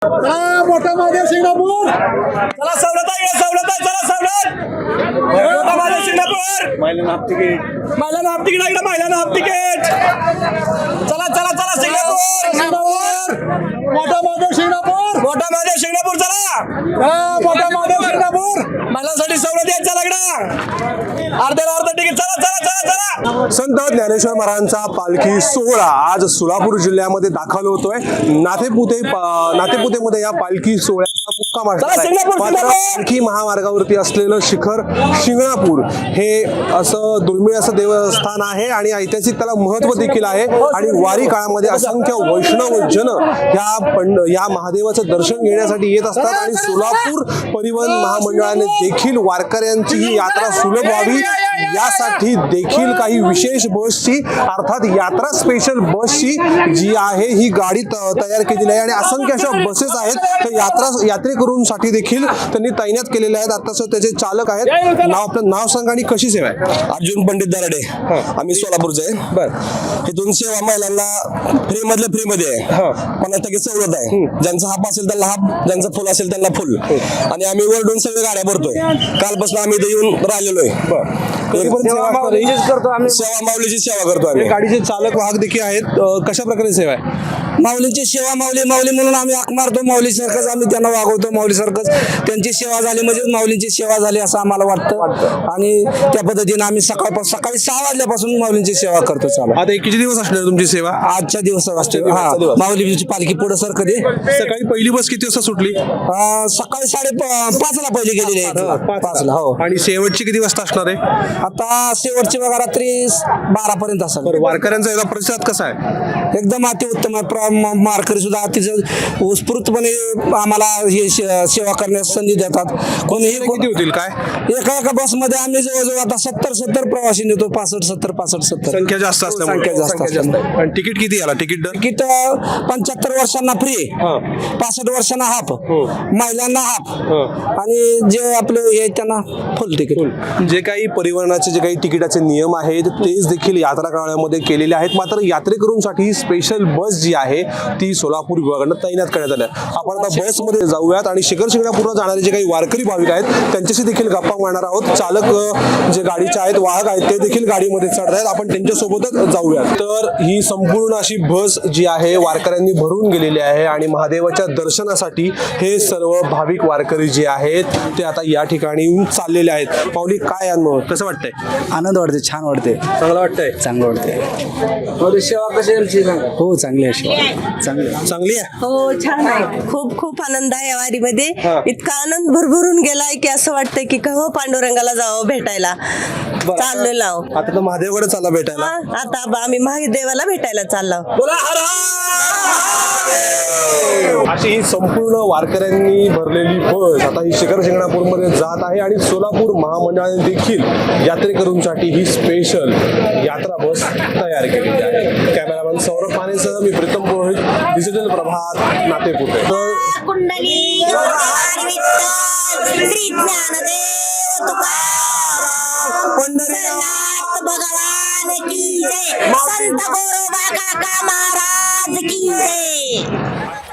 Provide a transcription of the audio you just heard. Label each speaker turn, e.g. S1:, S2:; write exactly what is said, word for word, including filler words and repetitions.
S1: मोठा महादेव शिंगणापूर चला सवलत आहे सवलत आहे चला सवलत मोठा महादेव शिंगणापूर महिलांना हाफ तिकीट महिलांना हाफ तिकीट आहे महिलांना हाफ तिकीट चला चला चला शिंगणापूर शिंगणापूर मोठा महादेव शिंगणापूर मोठा महादेव शिंगणापूर चला मोठा महादेव शिंगणापूर महिलांसाठी सवलत आहे चला इकडं अर्ध्याला अर्ध तिकीट चला चला चला चला
S2: संत ज्ञानेश्वर महाराजांचा पालखी सोहळा आज सोलापूर जिल्ह्यामध्ये दाखल होतोय. नातेपुते नातेपुतेमध्ये या पालखी सोहळ्याचा मुक्काम आहे. पालखी महामार्गावरती असलेलं शिखर शिंगणापूर हे असं दुर्मिळ असं देवस्थान आहे आणि ऐतिहासिक त्याला महत्व देखील आहे. आणि वारी काळामध्ये असंख्य वैष्णव जन या पंड या महादेवाचं दर्शन घेण्यासाठी येत असतात आणि सोलापूर परिवहन महामंडळाने देखील वारकऱ्यांची ही यात्रा सुलभ व्हावी यासाठी देखील काही विशेष बसची अर्थात यात्रा स्पेशल बसची जी आहे ही गाडी तयार केलेली आहे आणि असंख्य अशा बसेस आहेत. तर यात्रा यात्रेकरूंसाठी देखील त्यांनी तैनात केलेले आहेत. आता त्याचे चालक आहेत. नाव आपलं नाव सांगा आणि कशी सेवा आहे.
S3: अर्जुन पंडित दराडे आम्ही सोलापूरचे आहे.
S2: बर
S3: इथून सेवा महिलांना फ्री मधल्या फ्री मध्ये आहे. पन्नास टक्के सवलत आहे. ज्यांचा हाफ असेल त्यांना हाफ, ज्यांचा फुल असेल त्यांना फुल. आणि आम्ही वरडून सगळे गाड्या भरतोय. कालपासून आम्ही इथे येऊन राहिलेलो आहे.
S2: सेवा
S3: माऊलीची सेवा करतो आम्ही.
S2: गाडीचे चालक वाहक देखील आहेत. कशा प्रकारे सेवा आहे.
S3: माऊलींची सेवा माऊली माऊली म्हणून आम्ही हाक मारतो. माऊली सारखंच आम्ही त्यांना वागवतो. माऊली सारखंच त्यांची सेवा झाली म्हणजे माऊलींची सेवा झाली असं आम्हाला वाटतं. आणि त्या पद्धतीने आम्ही सकाळ सकाळी सहा वाजल्यापासून माऊलींची सेवा करतो. चालू
S2: आता किती दिवस असणार तुमची सेवा.
S3: आजच्या दिवसात असते. हा माऊलीची पालखी पुढे सर कधी
S2: सकाळी पहिली बस किती वाजता सुटली.
S3: सकाळी साडे पाचला पहिली गेलेली आहे. पाचला हो.
S2: आणि शेवटची किती वाजता असणार आहे.
S3: आता शेवटची बघा रात्री बारा पर्यंत असेल.
S2: वारकऱ्यांचा याचा प्रतिसाद कसा आहे.
S3: एकदम अतिउत्तम आहे. मारकरी सुद्धा अतिशय उत्स्फूर्तपणे आम्हाला हे सेवा करण्यास संधी देतात. कोणीही
S2: किती होतील काय.
S3: एका एका बस मध्ये आम्ही जवळजवळ आता सत्तर सत्तर प्रवासी नेतो. पासष्ट सत्तर पासष्ट सत्तर
S2: संख्या जास्त
S3: संख्या जास्त असल्यामुळे.
S2: आणि तिकीट किती आला. तिकीट दर
S3: तिकीट पंच्याहत्तर वर्षांना फ्री, पासष्ट वर्षांना हाफ, महिलांना हाफ आणि जे आपले हे त्यांना फुल तिकीट.
S2: जे काही परिवहनाचे जे काही तिकिटाचे नियम आहेत तेच देखील यात्रा काळामध्ये केलेले आहेत. मात्र यात्रेकरूंसाठी स्पेशल बस जी आहे ती सोलापूर विभागानं तैनात करण्यात आल्या. आपण आता बसमध्ये जाऊयात आणि शिखर शिंगणापूरला जाणारे जे काही वारकरी भाविक आहेत त्यांच्याशी देखील गप्पा मारणार आहोत. चालक जे गाडीचे आहेत वाहक आहेत ते देखील गाडीमध्ये चढत आहेत. आपण त्यांच्यासोबतच जाऊयात. तर ही संपूर्ण अशी बस जी आहे वारकऱ्यांनी भरून गेलेली आहे आणि महादेवाच्या दर्शनासाठी हे सर्व भाविक वारकरी जे आहेत ते आता या ठिकाणी येऊन चाललेले आहेत. पावली काय अनुभव कसं वाटतंय.
S4: आनंद वाटते. छान वाटते.
S2: चांगलं वाटतंय.
S4: चांगलं वाटते.
S3: सेवा कशी
S4: हो चांगली आहे. चांगली
S2: चांगली आहे.
S5: हो छान आहे. खूप खूप आनंद आहे या वारीमध्ये. इतका आनंद भरभरून गेलाय की असं वाटतंय की कहो पांडुरंगाला जावं भेटायला. चाललो लाव
S2: आता तर महादेवाकडे चालला भेटायला.
S5: आता आम्ही महादेवाला भेटायला चाललो.
S2: अशी ही संपूर्ण वारकऱ्यांनी भरलेली बस आता ही शिखर शिंगणापूर मध्ये जात आहे आणि सोलापूर महामंडळाने देखील यात्रेकरूंसाठी ही स्पेशल यात्रा बस तयार केलेली आहे. कॅमेरामॅन सौरभ पानेसह मी प्रीतम पुरोहित, डिजिटल प्रभात, नातेपुते.
S6: कुंडली श्री ज्ञानदेव तुकाराम पंढरीनाथ भगवान की जय. संत गोरोबा काका महाराज की जय.